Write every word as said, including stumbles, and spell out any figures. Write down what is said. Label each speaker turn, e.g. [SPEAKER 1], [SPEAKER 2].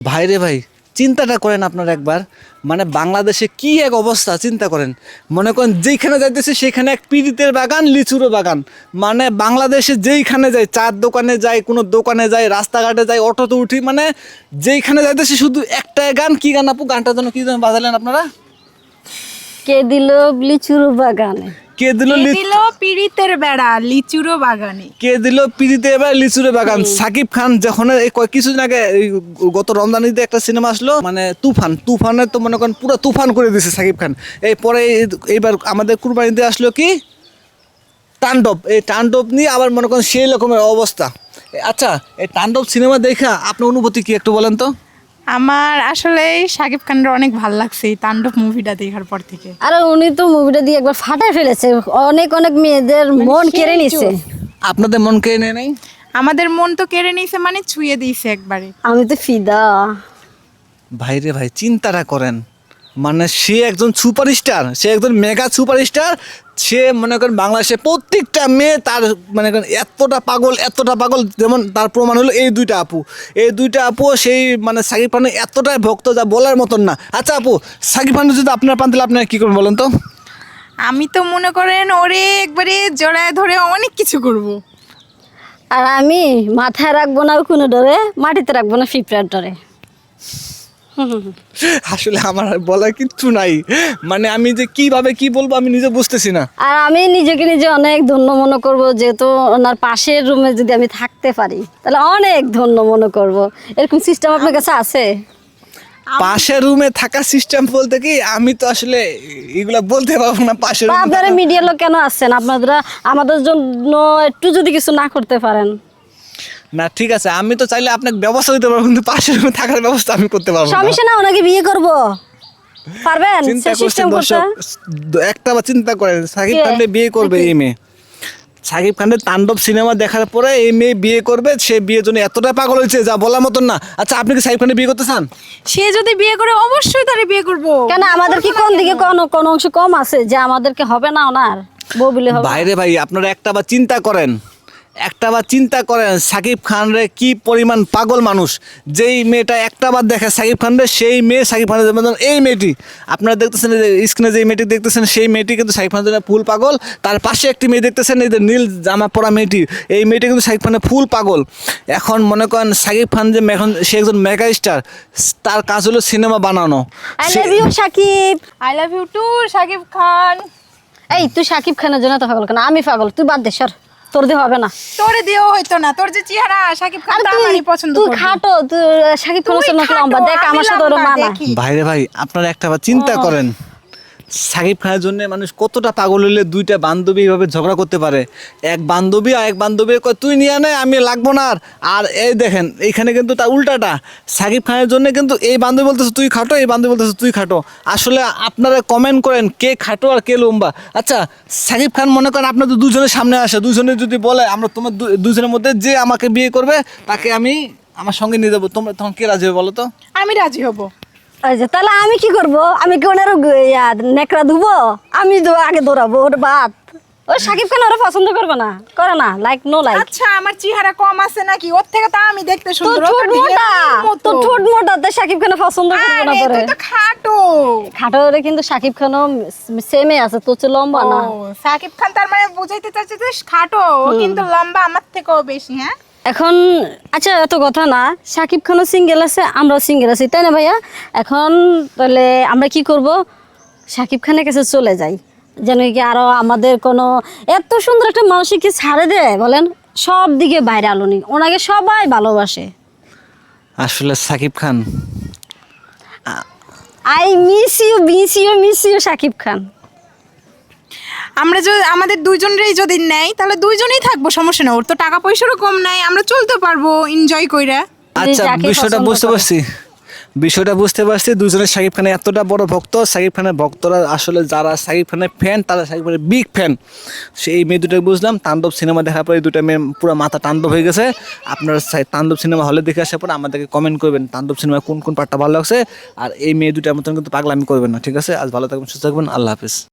[SPEAKER 1] ভাইরে ভাই, চিন্তাটা করেন আপনারা একবার। মানে বাংলাদেশে কি এক অবস্থা চিন্তা করেন। মনে করেন যেইখানে যাইতেছে সেখানে এক পিরিতের বাগান, লিচুরও বাগান। মানে বাংলাদেশে যেইখানে যাই, চার দোকানে যাই, কোনো দোকানে যাই, রাস্তাঘাটে যাই, অটোতে উঠি, মানে যেইখানে যাইতেছে শুধু একটাই গান। কি গান আপু? গানটার জন্য কি যেন বাজালেন আপনারা?
[SPEAKER 2] কে দিল লিচুর বাগানে,
[SPEAKER 1] কে দিল
[SPEAKER 3] কে দিল পিরিতের বেড়া লিচুরো বাগানে,
[SPEAKER 1] কে দিল পিরিতে এবার লিচুরে বাগান। সাকিব খান যখন এই কয়- কিছুদিন আগে এই গত রমজান ঈদে একটা সিনেমা আসলো, মানে তুফান। তুফানে তো মনে করেন পুরো তুফান করে দিয়েছে সাকিব খান। এই পরে এই- এইবার আমাদের কুরবানিতে আসলো কি তাণ্ডব। এই তাণ্ডব নিয়ে আবার মনে করেন সেই রকমের অবস্থা। এ- আচ্ছা, এই তাণ্ডব সিনেমা দেখা আপনার অনুভূতি কি একটু বলেন তো?
[SPEAKER 3] আমার আসলে শাকিব খানের অনেক ভালো লাগছে এই তাণ্ডব মুভিটা দেখার পর থেকে।
[SPEAKER 2] আর উনি তো মুভিটা দিয়ে একবার ফাটাই ফেলেছে, অনেক অনেক মেয়েদের মন কেড়ে নিছে।
[SPEAKER 1] আপনাদের মন কে নেই নাই?
[SPEAKER 3] আমাদের মন তো কেড়ে নিয়েছে, মানে ছুঁয়ে দিয়েছে একবারে।
[SPEAKER 2] আমি তো ফিদা।
[SPEAKER 1] ভাইরে ভাই, চিন্তাটা করেন। মানে সে একজন সুপারস্টার, সে একজন মেগা সুপারস্টার। সে মনে করেন বাংলাদেশে প্রত্যেকটা মেয়ে তার মনে করেন এতটা পাগল, এতটা পাগল। যেমন তার প্রমাণ হলো এই দুইটা আপু। এই দুইটা আপু সেই মানে সাকিব খানের এতটাই ভক্ত যা বলার মতন না। আচ্ছা আপু, সাকিব খান যদি আপনার পান তাহলে আপনার কী করবেন বলেন তো?
[SPEAKER 3] আমি তো মনে করেন ওরে একবারে জড়ায় ধরে অনেক কিছু করব।
[SPEAKER 2] আর আমি মাথায় রাখবো না কোনো ডরে, মাটিতে রাখবো না পিঁপড়ার ডরে।
[SPEAKER 1] আসলে আমার আর বলার কিচ্ছু নাই। মানে আমি যে কিভাবে কি বলবো আমি নিজে বুঝতেছি না।
[SPEAKER 2] আর আমি নিজেকে নিজে অনেক ধন্য মনে করব, যেহেতু ওনার পাশের রুমে যদি আমি থাকতে পারি তাহলে অনেক ধন্য মনে করব। এরকম সিস্টেম আপনার কাছে আছে?
[SPEAKER 1] পাশের রুমে থাকা সিস্টেম বলতে কি, আমি তো আসলে এগুলা বলতে পারবো না। পাশের
[SPEAKER 2] বা
[SPEAKER 1] room এ
[SPEAKER 2] আপনারা
[SPEAKER 1] থাকা-
[SPEAKER 2] মিডিয়ার লোক কেন আসছেন? আপনারা আমাদের জন্য একটু যদি কিছু না করতে পারেন।
[SPEAKER 1] না ঠিক আছে, আমি তো চাইলে আপনাকে ব্যবস্থা দিতে পারবো, কিন্তু পাশের রুমে থাকার ব্যবস্থা আমি করতে পারবো না।
[SPEAKER 2] সমস্যা না, ওনাকে বিয়ে করব পারবেন?
[SPEAKER 1] চিন্তা
[SPEAKER 2] সে
[SPEAKER 1] করছেন
[SPEAKER 2] সিস্টেম করতে
[SPEAKER 1] দর্শক, একটা বার চিন্তা করেন, সাকিব
[SPEAKER 2] কে?
[SPEAKER 1] খানকে বিয়ে করবে এই মেয়ে। সাকিব খানের তাণ্ডব সিনেমা দেখার পরে এই মেয়ে বিয়ে করবে। সে বিয়ের জন্য এতটা পাগল হয়েছে যা বলার মতন না। আচ্ছা, আপনি কি সাকিব খানের বিয়ে করতে চান?
[SPEAKER 3] সে যদি বিয়ে করে অবশ্যই তারে বিয়ে করব।
[SPEAKER 2] কেন আমাদের কি কোন দিকে কোন কোন অংশ কম আছে যে আমাদেরকে হবে না ওনার বউ বিলে হবে?
[SPEAKER 1] বাইরে ভাই, আপনারা একটা বার চিন্তা করেন, একটা বার চিন্তা করেন সাকিব খান রে কি পরিমাণ পাগল মানুষ। যেই মেয়েটা একটা বার দেখে সাকিব খান রে, সেই মেয়ে সাকিব খানের জন্য। এই মেয়েটি আপনারা দেখতেছেন, স্ক্রিনে যে মেয়েটি দেখতেছেন, সেই মেয়েটি কিন্তু সাকিব খানের জন্য ফুল পাগল। তার পাশে একটি মেয়ে দেখতেছেন, এই যে নীল জামা পরা মেয়েটি, এই মেয়েটি কিন্তু সাকিব খানের ফুল পাগল। এখন মনে করেন সাকিব খান যে এখন সে একজন মেগা স্টার, তার কাজ হলো সিনেমা বানানো।
[SPEAKER 2] I love you Shakib.
[SPEAKER 3] I love you too Shakib Khan.
[SPEAKER 2] এই তুই সাকিব খানের জন্য তো পাগল কেন? আমি পাগল, তুই বাদ দে, সর, তোর দিয়ে হবে না।
[SPEAKER 3] তোরে দিয়েও হইতো না, তোর যে চেহারা শাকিব খান
[SPEAKER 2] আর
[SPEAKER 3] তা
[SPEAKER 2] তুই
[SPEAKER 3] আমারই পছন্দ
[SPEAKER 2] তুই
[SPEAKER 3] করবে।
[SPEAKER 2] খাটো, তুই সাকিব খানের
[SPEAKER 3] তুই
[SPEAKER 2] জন্য
[SPEAKER 3] খাটো,
[SPEAKER 2] লম্বা, দেখ
[SPEAKER 3] আমি
[SPEAKER 2] আমার সাথে ওর
[SPEAKER 3] লম্বা,
[SPEAKER 2] মানা।
[SPEAKER 3] দেখি।
[SPEAKER 1] ভাইরে ভাই, আপনারা একটা বার চিন্তা করেন, সাকিব খানের জন্য মানুষ কতটা পাগল হলে দুইটা বান্ধবী এইভাবে ঝগড়া করতে পারে। এক বান্ধবী আর এক বান্ধবী কয় তুই নিয়ে নে, আমি লাগবো না। আর আর এই দেখেন এইখানে কিন্তু তার উল্টাটা, সাকিব খানের জন্য কিন্তু এই বান্ধবী বলতেছে তুই খাটো, এই বান্ধবী বলতেছে তুই খাটো। আসলে আপনারা কমেন্ট করেন কে খাটো আর কে লম্বা। আচ্ছা, সাকিব খান মনে করেন আপনাদের দুজনের সামনে আসে, দুজনে যদি বলে আমরা তোমার দু- দুজনের মধ্যে যে আমাকে বিয়ে করবে তাকে আমি আমার সঙ্গে নিয়ে যাবো, তোমরা তখন কে রাজি হবে বলো তো?
[SPEAKER 3] আমি রাজি হব।
[SPEAKER 2] এই যে তাহলে আমি কি করব? আমি কি ওনার নেকড়া ধুবো? আমি তো আগে দৌড়াবো ওর বাদ। ও সাকিব খান ওরা পছন্দ করবে না, করে না, লাইক নো লাইক।
[SPEAKER 3] আচ্ছা, আমার চেহারা কম আছে নাকি? ওর থেকে তো আমি দেখতে
[SPEAKER 2] তোর
[SPEAKER 3] সুন্দর।
[SPEAKER 2] ঠোঁট
[SPEAKER 3] ওর তো
[SPEAKER 2] মোটা,
[SPEAKER 3] ঢেলের মতো।
[SPEAKER 2] তোর ঠোঁট মোটা, তো সাকিব খান পছন্দ করবে না
[SPEAKER 3] আরে,
[SPEAKER 2] করে।
[SPEAKER 3] তুই তো খাটো।
[SPEAKER 2] খাটো রে, কিন্তু সাকিব খানও সেমে আছে, তোর চেয়ে লম্বা না।
[SPEAKER 3] ও, সাকিব খান তার মানে বুঝাইতে চাচ্ছে যে খাটো, ও কিন্তু লম্বা আমার থেকেও বেশি। হ্যাঁ,
[SPEAKER 2] এখন আচ্ছা, এত কথা না, সাকিব খানও সিঙ্গেল আছে, আমরাও সিঙ্গেল আছি, তাই না ভাইয়া? এখন তাহলে আমরা কি করব? সাকিব খানের কাছে চলে যাই, যেন কি আরো আমাদের কোনো এত সুন্দর একটা মানুষকে ছাড়ে দেয় বলেন। সব দিকে বাইরে আলোনি, ওনাকে সবাই ভালোবাসে।
[SPEAKER 1] আসলে Shakib Khan,
[SPEAKER 2] I miss you, miss you, miss you Shakib Khan.
[SPEAKER 3] আমরা যদি আমাদের দুইজনেরই যদি নেয় তাহলে দুইজনেই থাকবো, সমস্যা নেই। ওর তো টাকা পয়সারও কম নাই, আমরা চলতে পারবো এনজয় কইরা।
[SPEAKER 1] আচ্ছা
[SPEAKER 2] যাকে
[SPEAKER 1] বিষয়টা
[SPEAKER 2] পছন্দ
[SPEAKER 1] বুঝতে
[SPEAKER 2] করে।
[SPEAKER 1] পারছি, বিষয়টা বুঝতে পারছি। দুজনের সাকিব খানের এতটা বড় ভক্ত, সাকিব খানের ভক্তরা আসলে যারা সাকিব খানের ফ্যান তারা সাকিব খানের বিগ ফ্যান। সেই মেয়ে দুটোকে বুঝলাম, তাণ্ডব সিনেমা দেখার পরে এই দুটো মেয়ে পুরো মাথা তাণ্ডব হয়ে গেছে। আপনারা চাই তাণ্ডব সিনেমা হলে দেখে আসার পরে আমাদেরকে কমেন্ট করবেন তাণ্ডব সিনেমায় কোন কোন পার্টটা ভালো লাগছে। আর এই মেয়ে দুটার মতন কিন্তু পাগলামি করবেন না, ঠিক আছে? আজ ভালো থাকবেন, সুস্থ থাকবেন, আল্লাহ হাফিজ।